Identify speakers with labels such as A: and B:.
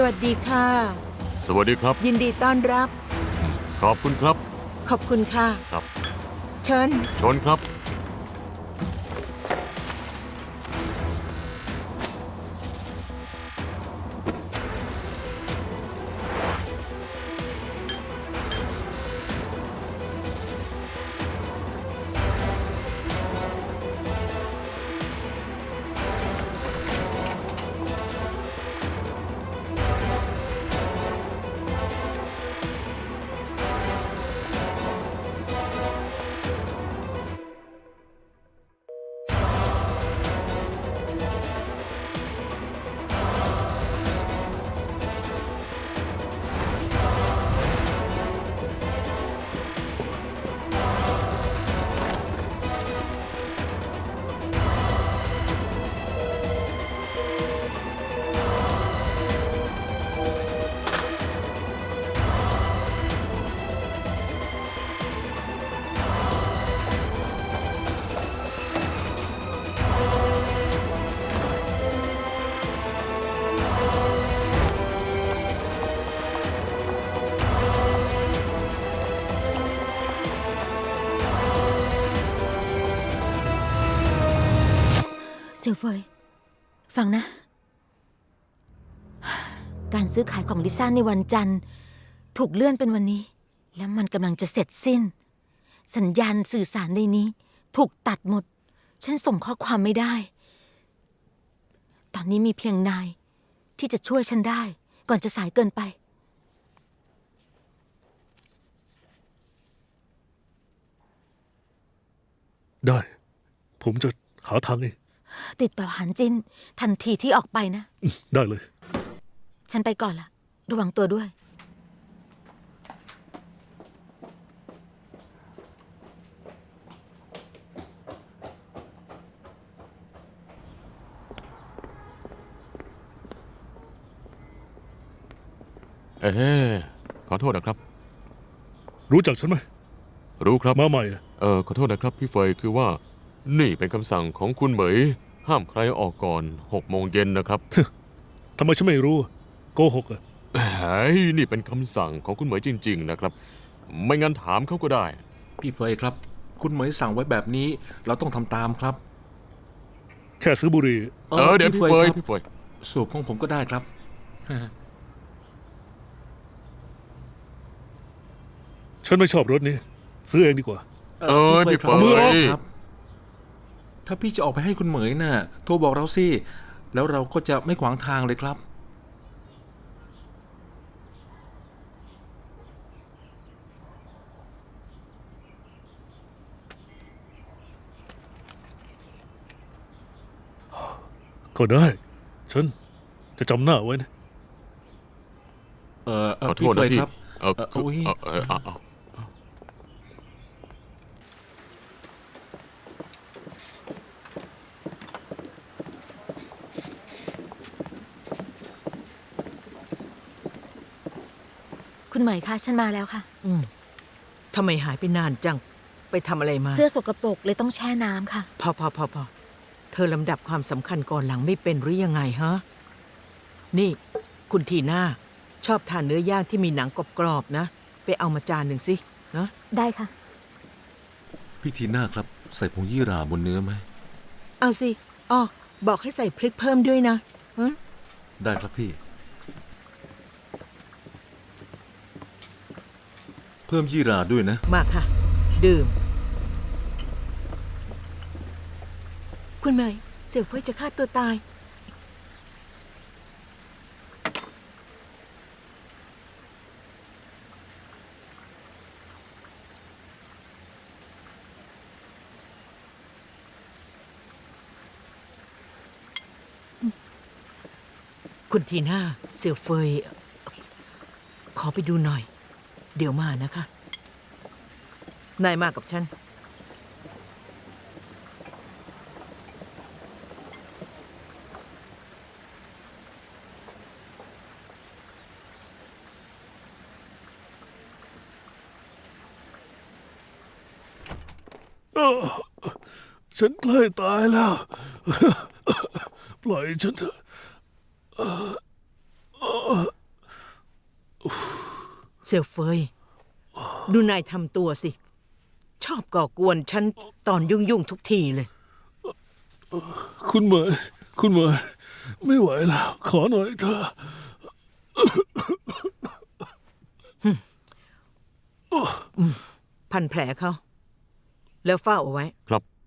A: สวัสดีค่ะ
B: สวัสดีครับ
A: ยินดีต้อนรับ
B: ขอบคุณครับ
A: ขอบคุณค่ะ
B: ครับ
A: เชิญ
B: ชนครับ
A: เสี่ยวเฟยฟังนะ การซื้อขายของลิซ่าในวันจันทร์ถูกเลื่อนเป็นวันนี้ และมันกำลังจะเสร็จสิ้น สัญญาณสื่อสารในนี้ถูกตัดหมด ฉันส่งข้อความไม่ได้ ตอนนี้มีเพียงนายที่จะช่วยฉันได้ก่อนจะสายเกินไป
C: ได้ ผมจะหาทางเอง
A: ติดต่อหันจินทันทีที่ออกไปนะ
C: ได้เลย
A: ฉันไปก่อนละระวังตัวด้วย
B: ขอโทษนะครับ
C: รู้จักฉันไหม
B: รู้ครับ
C: มาใหม่อะ
B: ขอโทษนะครับพี่เฟยคือว่า นี่เป็นคำสั่งของคุณเหมย ห้ามใครออกก่อน6 โมงเย็นนะครับ
C: ทำไมฉันไม่รู้โกหกอะ
B: เฮ้ยนี่เป็นคำสั่งของคุณเหมยจริงๆนะครับ ไม่งั้นถามเขาก็ได้
D: พี่เฟยครับ คุณเหมยสั่งไว้แบบนี้เราต้องทำตามครับ
C: แค่ซื้อบุหรี่
B: เดี๋ยวพี่เฟย
D: ครับ
B: พี่เฟย
D: สูบของผมก็ได้ครับ
C: ฉันไม่ชอบรถนี้ ซื้อเองดีกว่า
B: พี่เฟ
D: ครับมือออก
B: ย
D: ครับ ถ้าพี่จะออกไปให้คุณเหมยน่ะโทรบอกเราสิแล้วเราก็จะไม่ขวางทางเลยครับ
C: ก็ได้ ฉันจะจำหน้าไว้นะ
B: ขอโท
D: พี่
B: ษ
D: เฟ
B: นะ
D: ย
B: พี่
D: ครับ อุ๊ย
A: คุณเหมยคะฉันมาแล้วค่ะ
E: ทำไมหายไปนานจัง ไปทำอะไรมา
A: เสื้อสกปรกเลยต้องแช่น้ำค่ะ
E: พอ เธอลำดับความสำคัญก่อนหลังไม่เป็นหรือยังไงฮะ นี่ คุณทีน่าชอบทานเนื้อย่างที่มีหนังกรอบๆนะ ไปเอามาจานหนึ่งสินะ
A: ได้ค่ะ
D: พี่ทีน่าครับ ใส่ผงยี่หร่าบนเนื้อไหม
E: เอาสิอ้อบอกให้ใส่พริกเพิ่มด้วยนะฮะ
D: ได้ครับพี่ เพิ่มยี่หร่าด้วยนะ
E: มาค่ะ ดื่ม คุณเมยเสี่ยวเฟ้ยจะฆ่าตัวตาย คุณทีน่าเสี่ยวเฟย ขอไปดูหน่อย เดี๋ยวมานะคะ นายมากับฉัน
C: ฉันใกล้ตายแล้ว ปล่อยฉันเถอะ
E: เสี่ยวเฟย ดูนายทำตัวสิ ชอบก่อกวนฉันตอนยุ่งๆทุกทีเลย
C: คุณเหมยคุณเหมยไม่ไหวแล้ว ขอหน่อยเถอะ
E: พันแผลเขา แล้วเฝ้าเอาไว้
B: ครับ